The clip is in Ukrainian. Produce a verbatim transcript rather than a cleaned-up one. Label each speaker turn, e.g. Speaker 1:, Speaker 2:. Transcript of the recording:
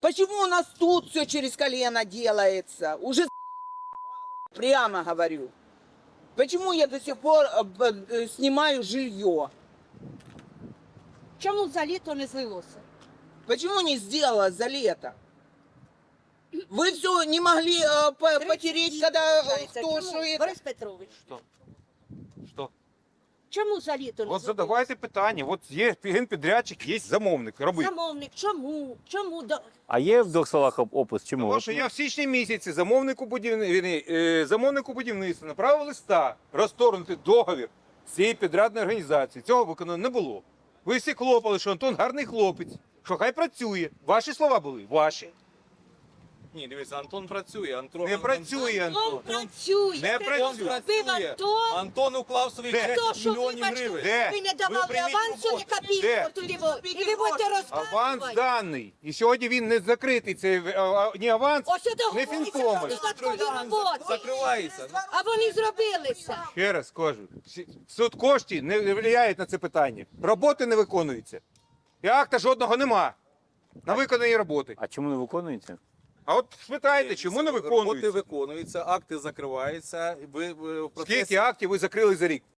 Speaker 1: Почему у нас тут все через колено делается? Уже прямо говорю. Почему я до сих пор э, б- э, снимаю жилье?
Speaker 2: Чому за літо не злилося?
Speaker 1: Почему не сделала за лето? Вы все не могли э, по- потереть, когда э, кто
Speaker 2: Чому,
Speaker 1: что это...
Speaker 2: Борис Петрович,
Speaker 3: Що? Що?
Speaker 2: чому за літо не
Speaker 3: От
Speaker 2: злилося?
Speaker 3: задавайте питання. От є генпідрядчик, є замовник. Роби.
Speaker 2: Замовник, чому? Чому? до-
Speaker 4: А є в двох словах оп- опис? Чому?
Speaker 3: Тому що я в січні місяці замовнику, будівни... е, замовнику будівництва направив листа розторгнути договір з цієї підрядної організації. Цього виконано не було. Ви всі хлопали, що Антон гарний хлопець, що хай працює. Ваші слова були? Ваші.
Speaker 5: Ні, дивіться, Антон працює. Антон,
Speaker 3: Не працює
Speaker 2: Антон
Speaker 3: Антон.
Speaker 2: працює.
Speaker 3: Не
Speaker 2: Ти
Speaker 3: працює.
Speaker 2: зробив Антон.
Speaker 5: Антон уклав свої
Speaker 3: Де?
Speaker 2: То,
Speaker 5: десять
Speaker 2: що,
Speaker 5: мільйонів
Speaker 2: вибачте,
Speaker 5: гривень.
Speaker 3: Де?
Speaker 2: ви не давали
Speaker 5: прийміть
Speaker 2: авансу,
Speaker 5: роботу.
Speaker 2: не копійку
Speaker 3: Де?
Speaker 2: туди. во. І ви будете
Speaker 3: Аванс
Speaker 2: розказувати.
Speaker 3: даний. І сьогодні він не закритий. Це е, а, ні аванс,
Speaker 2: Ось сюди
Speaker 3: не
Speaker 2: говориться,
Speaker 3: фінкоми.
Speaker 2: що додаткові роботи.
Speaker 5: Закривається.
Speaker 2: А вони зробилися.
Speaker 3: Ще раз кажу, всі- суд коштів не впливає на це питання. Роботи не виконуються. І акта жодного нема на виконані роботи.
Speaker 4: А чому не виконується?
Speaker 3: А от спитайте, чому не
Speaker 5: Роботи
Speaker 3: виконуються?
Speaker 5: виконуються, акти закриваються. Ви, ви в процесі...
Speaker 3: Скільки актів ви закрили за рік?